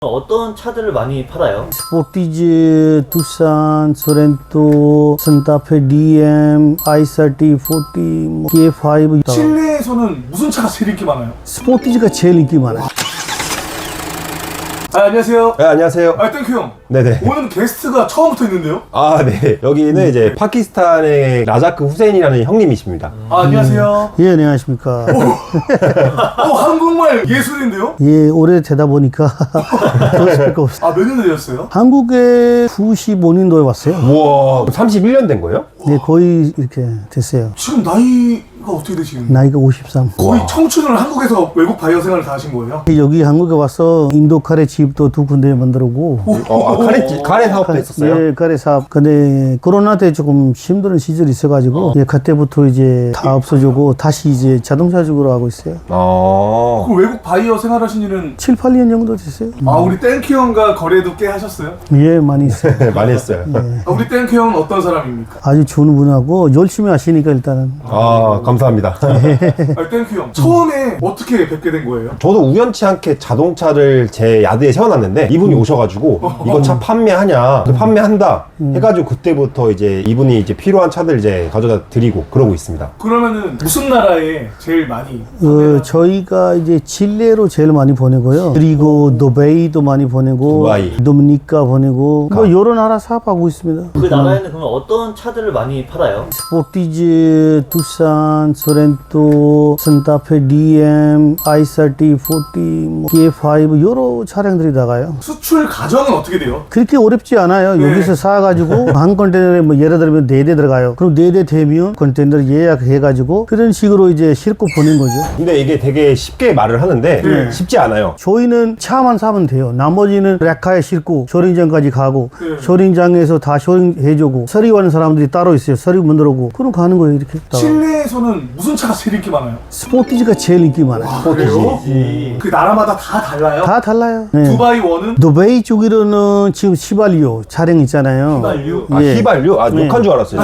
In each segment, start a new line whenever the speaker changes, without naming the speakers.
어떤 차들을 많이 팔아요?
스포티지, 투싼, 소렌토, 산타페 DM, i30, 40, K5.
실내에서는 무슨 차가 제일 인기 많아요?
스포티지가 제일 인기 많아요.
안녕하세요.
네, 안녕하세요.
땡큐 형.
네네.
오늘은 게스트가 처음부터 있는데요?
아, 네. 여기는 이제 파키스탄의 라자크 후세인이라는 형님이십니다.
안녕하세요.
예, 안녕하십니까.
한국말 예술인데요?
예, 오래 되다 보니까 더 수밖에 없어요.
몇 년 되셨어요?
한국에 95년도에 왔어요.
우와, 31년 된 거예요?
네, 거의 이렇게 됐어요.
지금 나이가 어떻게 되시는데?
나이가 53.
거의 청춘을 한국에서 외국 바이어 생활을 다 하신 거예요?
여기 한국에 와서 인도 카레 집도 2군데 만들고.
카레 사업도 했었어요?
예, 카레 사업. 근데 코로나 때 조금 힘든 시절이 있어가지고, 예, 그때부터 이제 다 없어지고, 다시 이제 자동차 쪽으로 하고 있어요.
그럼 외국 바이어 생활하신 일은
7, 8년 정도 됐어요.
우리 땡큐 형과 거래도 꽤 하셨어요?
예, 많이 있어요.
많이 했어요.
우리 땡큐 형은 어떤 사람입니까?
아주 좋은 분하고 열심히 하시니까 일단은.
아, 감사합니다.
땡큐 형 처음에 어떻게 뵙게 된 거예요?
저도 우연치 않게 자동차를 제 야드에 세워놨는데 이분이 오셔가지고 이거 차 판매하냐? 판매한다. 해가지고 그때부터 이제 이분이 이제 필요한 차들 이제 가져다 드리고 그러고 있습니다.
그러면은 무슨 나라에 제일 많이
저희가 이제 칠레로 제일 많이 보내고요. 그리고 두바이도 많이 보내고,
두바이.
도미니카 보내고, 뭐 여러 나라 사업하고 있습니다.
그 나라에는 그러면 어떤 차들을 많이 팔아요?
스포티지, 투싼, 소렌토, 산타페 DM, i30, 40, K5 여러 차량들이 나가요.
수출 과정은 어떻게 돼요?
그렇게 어렵지 않아요.
네.
여기서 사가지고 한 컨테이너에 뭐 예를 들면 4대 들어가요. 그럼 4대 되면 컨테이너를 예약해가지고 그런 식으로 이제 싣고 보낸 거죠.
근데 이게 되게 쉽게 말을 하는데
네.
쉽지 않아요.
저희는 차만 사면 돼요. 나머지는 레카에 싣고 쇼링장까지 가고,
네.
쇼링장에서 다 쇼링해주고, 서리하는 사람들이 따로 있어요. 서리 만들고 그럼 가는 거예요. 이렇게.
실내에서는 무슨 차가 제일 인기 많아요?
스포티지가 제일 인기 많아요.
그래요? 그 나라마다 다 달라요?
다 달라요. 네.
두바이 원은?
두바이 쪽으로는 지금 시발리오 차량 있잖아요.
휘발유?
아,
예.
휘발유? 아,
네.
욕한 줄 알았어요.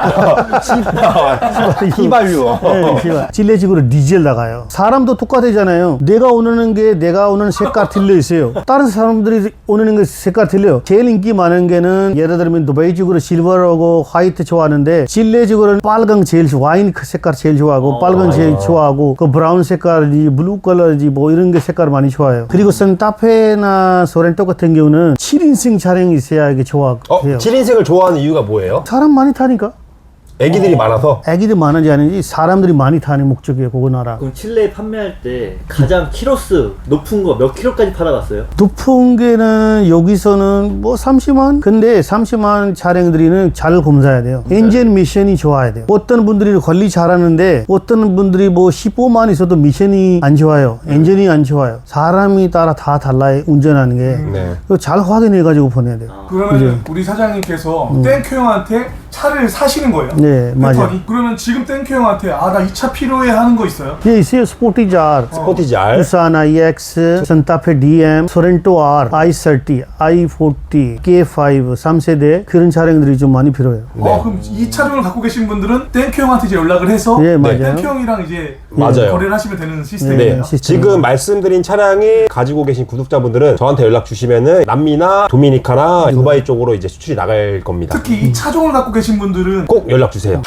휘발유.
네, 시발. 칠레 쪽으로 디젤 나가요. 사람도 똑같아잖아요. 내가 오는 게 내가 오는 색깔 틀려 있어요. 다른 사람들이 오는 게 색깔 틀려요. 제일 인기 많은 게는 예를 들면 두바이 쪽으로 실버하고 화이트 좋아하는데 칠레 쪽으로는 빨강 제일 좋아. 와인 색깔 제일 좋아하고 빨강 제일 좋아하고 그 브라운 색깔이지 블루 컬러지 뭐 이런 게 색깔 많이 좋아요. 그리고 산타페나 소렌토 같은 경우는 7인승 차량이 있어야 이게 좋아해요.
7인승을 좋아하는 이유가 뭐예요?
사람 많이 타니까.
애기들이 많아서?
애기들 많은지 아닌지 사람들이 많이 타는 목적이에요. 그거 나라.
그럼 칠레에 판매할 때 가장 키로수 높은 거 몇 킬로까지 팔아갔어요?
높은 게는 여기서는 뭐 30만? 근데 30만 차량들이는 잘 검사해야 돼요. 엔진 미션이 좋아야 돼요. 어떤 분들이 관리 잘하는데 어떤 분들이 뭐 15만 있어도 미션이 안 좋아요. 엔진이 안 좋아요. 사람이 따라 다 달라요. 운전하는 게.
네.
그거 잘 확인해가지고 보내야 돼요.
그러면 우리 사장님께서 땡큐 형한테 차를 사시는 거예요?
네, 맞아요.
패턴이? 그러면 지금 땡큐 형한테 나 이 차 필요해 하는 거 있어요?
예, 있어요. 스포티지 R.
스포티지 R.
투싼 IX, 산타페 DM, 소렌토 R, i30, i40, K5, 3세대 그런 차량들이 좀 많이 필요해요.
그럼 이 차종을 갖고 계신 분들은 땡큐 형한테 이제 연락을 해서
네, 맞아요.
땡큐 형이랑 이제
맞아요.
거래를 하시면 되는
네.
시스템이에요.
시스템.
지금 말씀드린 차량이 가지고 계신 구독자분들은 저한테 연락 주시면은 남미나 도미니카나 두바이 쪽으로 이제 수출이 나갈 겁니다.
특히 이 차종을 갖고 계신 분들은
꼭 연락 주세요.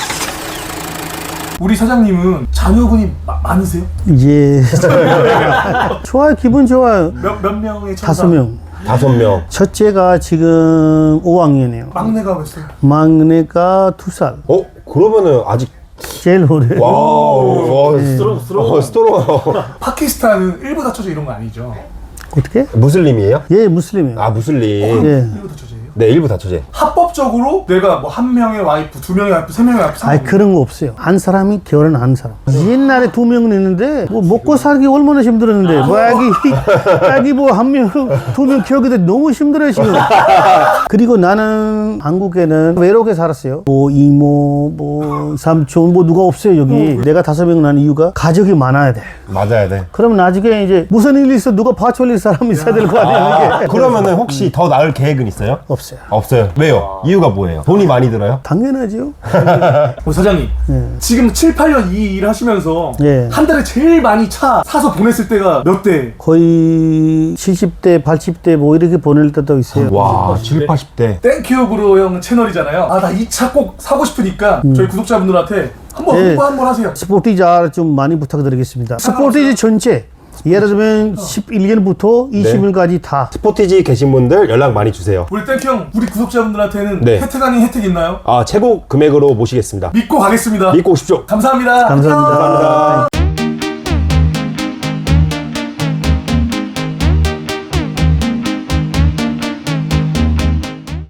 우리 사장님은 자녀분이 많으세요?
예. 좋아요. 기분 좋아요.
몇 명의 천사?
5명.
5명.
첫째가 지금 5학년이에요.
막내가 몇 살?
막내가 2살.
그러면은 아직
제일 오래.
와우.
스트롱.
파키스탄은 일부 다처제 이런 거 아니죠?
어떻게?
무슬림이에요?
예, 무슬림이에요.
아, 무슬림.
예.
일부 다처제예요?
네, 일부 다처제.
합법적으로 내가 뭐 한 명의 와이프, 2명의 와이프, 3명의 와이프
아니 그런 거 없어요. 한 사람이 결혼 한 사람. 옛날에 2명은 있는데 뭐 먹고 살기 얼마나 힘들었는데 뭐 애기 뭐 1명, 2명 키우기도 너무 힘들어요 지금. 그리고 나는 한국에는 외롭게 살았어요. 뭐 이모, 뭐 삼촌 뭐 누가 없어요 여기. 내가 5명 난 이유가 가족이 많아야 돼.
맞아야 돼.
그럼 나중에 이제 무슨 일이 있어 누가 봐줄 사람이 있어야 될 거 아니에요. 이게.
그러면은 혹시 더 나을 계획은 있어요?
없어요. 없어요.
없어요. 왜요? 이유가 뭐예요? 돈이 많이 들어요?
당연하죠.
사장님
예.
지금 7, 8년 이 일 하시면서
예.
한 달에 제일 많이 차 사서 보냈을 때가 몇 대?
거의 70대, 80대 뭐 이렇게 보낼 때도 있어요.
와, 7, 80대.
땡큐브로 형 채널이잖아요. 아, 나 이 차 꼭 사고 싶으니까 저희 구독자분들한테 한번
예.
홍보 한번 하세요.
스포티지 R 좀 많이 부탁드리겠습니다. 스포티지 전체 예를 들면 11년부터 20년까지 다
스포티지 계신 분들 연락 많이 주세요.
우리 땡큐 형, 우리 구독자분들한테는
네.
혜택 아닌 혜택 있나요?
아, 최고 금액으로 모시겠습니다.
믿고 가겠습니다.
믿고 오십시오.
감사합니다.
감사합니다.
안녕.
감사합니다.